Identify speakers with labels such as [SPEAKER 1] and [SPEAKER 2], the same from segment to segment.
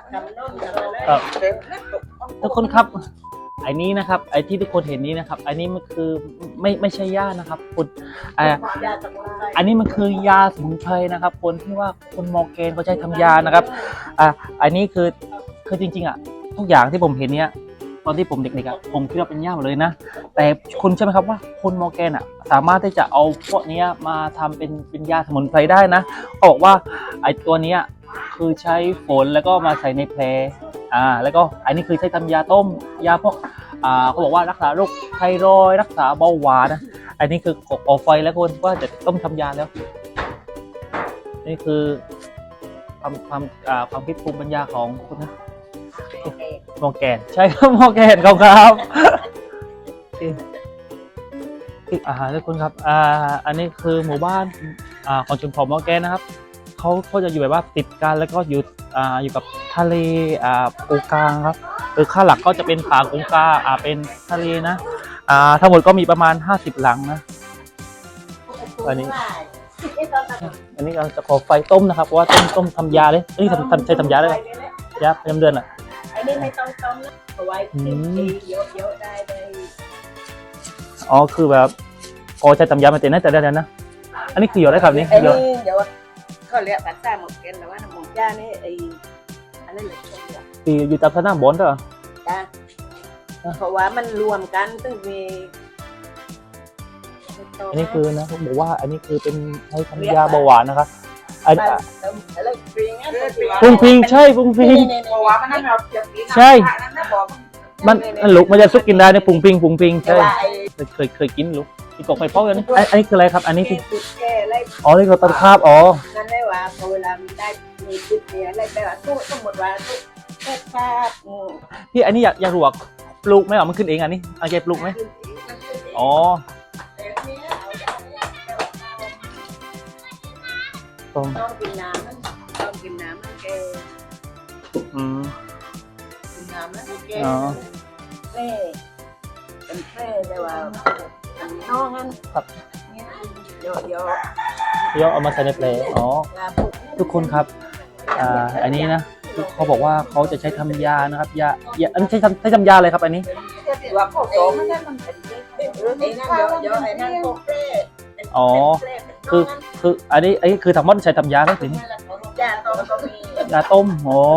[SPEAKER 1] ครับทุกคนครับไอ้นี้นะครับไอ้ที่ทุกคนเห็นนี้นะครับอันนี้มันคือไม่ใช่ยานะครับคุณอันนี้มันคือยาสมุนไพรนะครับคนที่ว่าคนมอร์แกนเขาใช้ทำยานะครับอันนี้คือจริงๆทุกอย่างที่ผมเห็นเนี้ยตอนที่ผมเด็กๆผมคิดว่าเป็นยาหมดเลยนะแต่คุณใช่ไหมครับว่าคนมอร์แกนสามารถที่จะเอาพวกนี้มาทำเป็นยาสมุนไพรได้นะเขาบอกว่าไอ้ตัวนี้คือใช้ฝนแล้วก็มาใส่ในแผลแล้วก็อันนี้คือใช้ทำยาต้มยาพวกเขาบอกว่ารักษาโรคไทรอยด์รักษาเบาหวานนะอันนี้คือก่อไฟแล้วคนว่าจะต้มทำยาแล้วนี่คือความคิดภูมิปัญญาของคุณนะมอร์แกนใช่ครับมอร์แกนครับอีกทุกคนครับอันนี้คือหมู่บ้านของชนเผ่ามอร์แกนนะครับเขาจะอยู่แบบว่าติดกันแล้วก็อยู่กับทะเลปูกลางครับค่าหลักก็จะเป็นป่ากงกาเป็นทะเลนะทั้งหมดก็มีประมาณ50 หลังนะอันนี้เราจะขอไฟต้มนะครับเพราะว่าต้มทำยาเลยนี่ใช้ทำยาเลยยาประจำเดือน
[SPEAKER 2] อันนี้ไม่ต้องต้มนะเอาไว้เยอะๆได้เลย
[SPEAKER 1] คือแบบใช้ทำยามาเต็มนะแต่เดี๋ยวนะอันนี้คือหยดได้ครับนี่
[SPEAKER 2] เดี๋ยวเขาเรียกภาษาหมกเกนแต่ว่าหมกย่านี่อะไรเหลือ
[SPEAKER 1] อยู่ตามสนามบอลเหรอ
[SPEAKER 2] จ้ะเพราะว่ามันรวมกันต้องมี
[SPEAKER 1] อันนี้คือนะเขาบอกว่าอันนี้คือเป็นให้ทำยาเบาหวานนะครับพุงพิงใช่พุงพิงใช่มันลุกมันจะซุกกินได้เนี่ยพุงพิงใช่เคยกินลุกอีกกอกไฟพอกอันนี้คืออะไรครับอันนี้คือนี่คือตะขาบ
[SPEAKER 2] นั่นได้ว่าเวลามีได้มีจุดเนี่ยอะไรแบบว่าตู้สมมติว่าตู้แค่คาบ
[SPEAKER 1] พี่อันนี้อยากรู้ว่าปลูกไหมมันขึ้นเองอันนี้แกปลูกไหม
[SPEAKER 2] ต้องกินน้ำมันแกกินน้ำมันแกเป็นแพร่แต่ว่าน้องนั่นเดี๋ยว
[SPEAKER 1] เอามาใส่ในแผลทุกคนครับอันนี้นะเขาบอกว่าเขาจะใช้ทำยานะครับยาอันนี้ใช้ทำยาอะไรครับอันนี้คืออันนี้คือทั้งหมดใช้ทำยาไหมถึงยาต้ม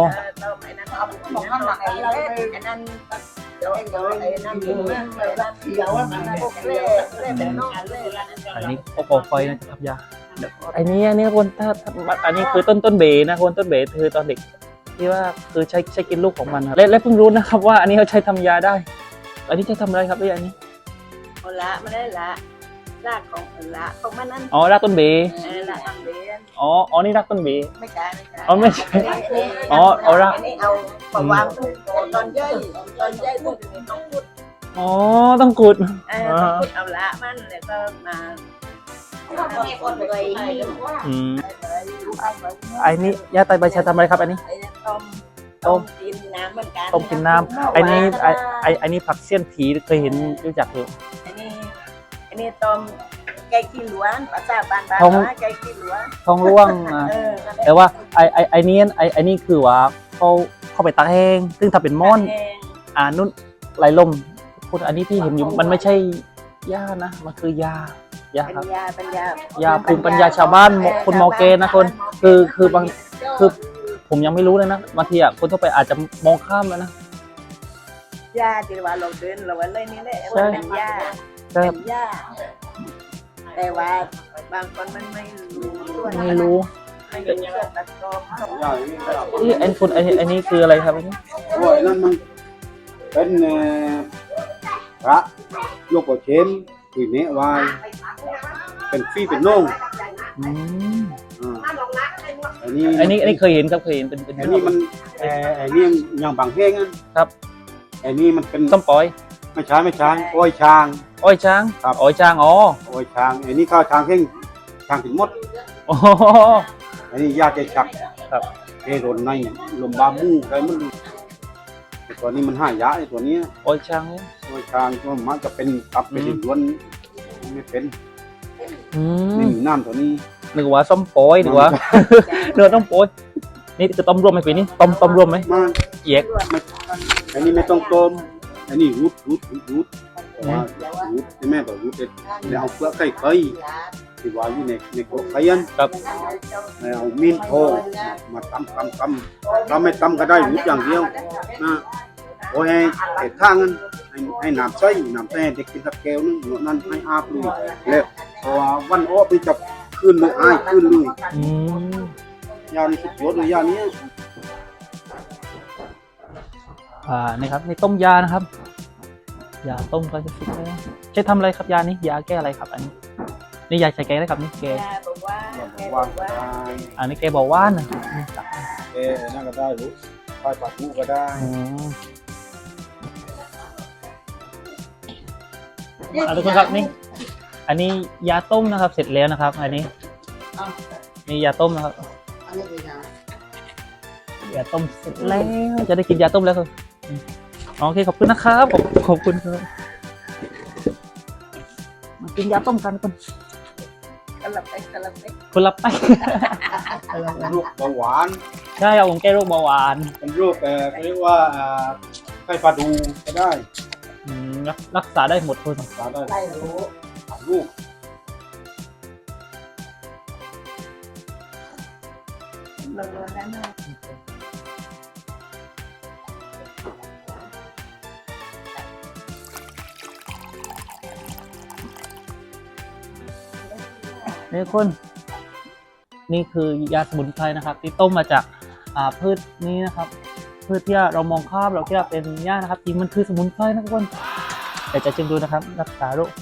[SPEAKER 1] อันนี้ก่อไฟนะจะทำยาอันนี้คนถ้าอันนี้คือต้นเบนะคนต้นเบคือตอนเด็กที่ว่าคือใช้กินลูกของมันครับและเพิ่งรู้นะครับว่าอันนี้เขาใช้ทำยาได้อันนี้จะทำอะไรครับอันนี้
[SPEAKER 2] ละไม่ได้ละรากของละของมันนั่น
[SPEAKER 1] รากต้นเบ
[SPEAKER 2] รากต้นเบ
[SPEAKER 1] นี่รากต้นเบ
[SPEAKER 2] ไม่ใช่
[SPEAKER 1] ไม่ใช่ราก
[SPEAKER 2] เอาปะวางตอนย่อยต้องขุด
[SPEAKER 1] ต้องขุด
[SPEAKER 2] เอาละมันแล้วก็มา
[SPEAKER 1] ไอ้นี่ยาไตใบชาทำอะไรครับอันนี้
[SPEAKER 2] ต้มกินน้ำเหมือนกัน
[SPEAKER 1] ต้มกินน้ำอันนี้ผักเสี้ยนผีเคยเห็นรู้จักอยู่
[SPEAKER 2] อันนี้ต้มแกงขี้ล้วนภาษาบ้านแกงขี้ล้วน
[SPEAKER 1] ท้องร่วงแต่ว่าไอ้นี่คือว่าเขาไปตากแห้งซึ่งถ้าเป็นม่อนนุ่นไหลลมคนอันนี้ที่เห็นอยู่มันไม่ใช่ยานะมันคือยาครับยาภูมิปัญญาชาวบ้านคนมอร์แกนนะคนคือผมยังไม่รู้เลยนะบางทีคนทั่วไปอาจจะมองข้ามแล้วนะ
[SPEAKER 2] ยาที่ว่าเราเดินเราว่าเลยนี่แหละว่าเป็นยาแต่ว่าบางคนมันไม่รู้
[SPEAKER 1] อันนี้คืออะไรครับอันนี้
[SPEAKER 3] นั่นมันเป็นพระโลกเชนคุยเนะวายเป็นฟีเป็นน่อง
[SPEAKER 1] อันนี้เคยเห็นครับเคยเห็นเป็น
[SPEAKER 3] อันนี้มันอันนี้ยังบางแห้ง
[SPEAKER 1] ครับ
[SPEAKER 3] อันนี้มันเป็น
[SPEAKER 1] ส้มปล่อย
[SPEAKER 3] ไม่ใช่อ้อยช้าง
[SPEAKER 1] ครับอ้อยช้าง
[SPEAKER 3] อ้อยช้างอันนี้ข้าวช้างแห้งช้างถึงหมดอันนี้ยาใจฉัก
[SPEAKER 1] ครับ
[SPEAKER 3] เอรนในลมบามูอะไรมันตัวนี้มัน5 ยะไอ้ตัวนี้
[SPEAKER 1] อ้อยช้าง
[SPEAKER 3] ก็มันจะเป็นตับเป็นล้วนไม่เป็นนี่น้ำตัวนี้
[SPEAKER 1] นึกว่าส้มปล่อยนึกว่าเนื้อต้องปล่อยนี่คือต้มรวมไหมพี่นี่ต้มรวมไหม
[SPEAKER 3] มา
[SPEAKER 1] เย็ก
[SPEAKER 3] ไม่อันนี้ไม่ต้องต้มอันนี้รูดแต่ว่ารูดใช่ไหมแบบรูดแล้วเอาเปลือกไข่ที่ว่าอยู่ในโคไข่ยัน
[SPEAKER 1] ครับ
[SPEAKER 3] แล้วเอามีนโทมาตำไม่ตำก็ได้รูดอย่างเดียวนะโอ้ให้เห็ดข้างนั้นให้น้ำใส่เด็กกินสักแก้วนึงหนวดนั้นให้อาบเลยแล้วเพราะว่าวันอ้อไปจับขึ้นเลยขึ้นเลย
[SPEAKER 1] อืม
[SPEAKER 3] ยานี่สุดยอดเลยยานี้
[SPEAKER 1] นี่ครับนี่ต้มยานะครับยาต้มก็จะฟิกแล้วใช้ทำอะไรครับยานี้ยาแก้อะไรครับอันนี้นี่ยาใช้แก้อะไรครับนี่แก
[SPEAKER 2] ยาบอกว่าแกบ
[SPEAKER 3] ว่า
[SPEAKER 2] อก
[SPEAKER 3] ก็
[SPEAKER 2] ว่า
[SPEAKER 3] ได้
[SPEAKER 1] อันนี้แกบอกว่านนะ
[SPEAKER 3] นั่นก็ได้รู้ไฟปัดหูก็ได้
[SPEAKER 1] อืมทุกคนครับนี่อันนี้ยาต้มนะครับ เสร็จแล้วนะครับ อันนี้นี่ยาต้มนะครับ
[SPEAKER 2] อันนี้เป็นยาย
[SPEAKER 1] าต้มเสร็จแล้วจะได้กินยาต้มแล้วครับโอเคขอบคุณนะครับขอบคุณครับมากินยาต้มกันคน
[SPEAKER 2] กระลับไปกระลับไป
[SPEAKER 1] คนละไป
[SPEAKER 3] โรคเบาหวาน
[SPEAKER 1] ใช่เอาของแก้โรคเบาหวาน
[SPEAKER 3] เป็นโรคเขาเรียกว่าไข้ปลาดูก็ได้
[SPEAKER 1] รักษาได้หมดคน
[SPEAKER 3] รักษาได้
[SPEAKER 2] ไล่รู้
[SPEAKER 3] ลูก
[SPEAKER 2] ลงนั้นนะ
[SPEAKER 1] นี่คนนี่คือยาสมุนไพรนะครับ ที่ต้มมาจากพืชนี้นะครับพืชที่เรามองข้ามเราคิดว่าเป็นหญ้านะครับจริงมันคือสมุนไพรนะทุกคนแต่จะชิมดูนะครับ รักษาโรค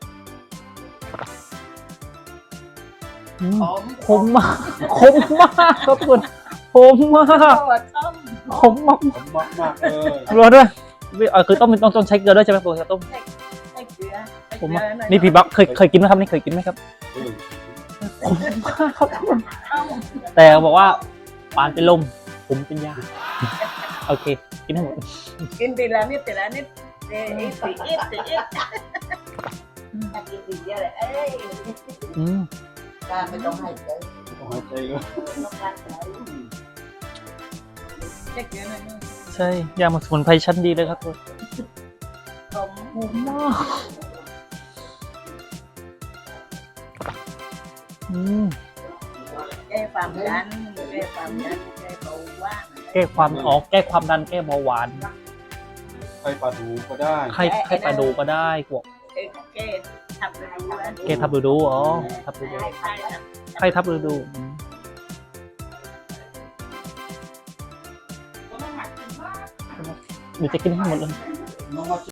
[SPEAKER 2] หอม
[SPEAKER 1] คมมากคมมากครับทุกคนคมมาก
[SPEAKER 2] ตัวต้ม
[SPEAKER 1] คมมาก
[SPEAKER 3] ผมมากเลย
[SPEAKER 1] รอด้วยคือต้องใช้เกลือด้วยใช่ไหมปกติต้ม
[SPEAKER 2] ใส่เกลือ
[SPEAKER 1] ผมว่านี่พี่บักเคยกินไหมครับนี่เคยกินไหมครับคมมากครับทุกคนแต่บอกว่าปานเป็นลมผมเป็นยาโอเคกินให้หมด
[SPEAKER 2] กินทีละนิดทีละนิดเอ้ยสีอิดสีอิดถ้ากินทีเดียวเลยเอ้ย
[SPEAKER 1] อืม
[SPEAKER 2] การไม่ต้องให้ใจ
[SPEAKER 3] ต้องหายใจเลย
[SPEAKER 2] ต้องการใจเช็คเยอะหน่อย
[SPEAKER 1] ใช่ยาสมุนไพรชั้นดีเลยครับทุกคน
[SPEAKER 2] ผม
[SPEAKER 1] คมมากอืม
[SPEAKER 2] แก้ความดันแก้ความดันแก้เบาหวาน
[SPEAKER 1] แก้ความแก้ความดันแก้เบาหวาน
[SPEAKER 3] ไข้ปลาดูก็ได้
[SPEAKER 1] ไข้ปลาดูก็ได้พวก
[SPEAKER 2] แก้ทับฤดู
[SPEAKER 1] แก้ทับฤดูทับฤดู
[SPEAKER 2] ใช่ครับ
[SPEAKER 1] ไข้ทับฤดูเดี๋ยวจะกินให้หมดเลย
[SPEAKER 3] น้องมา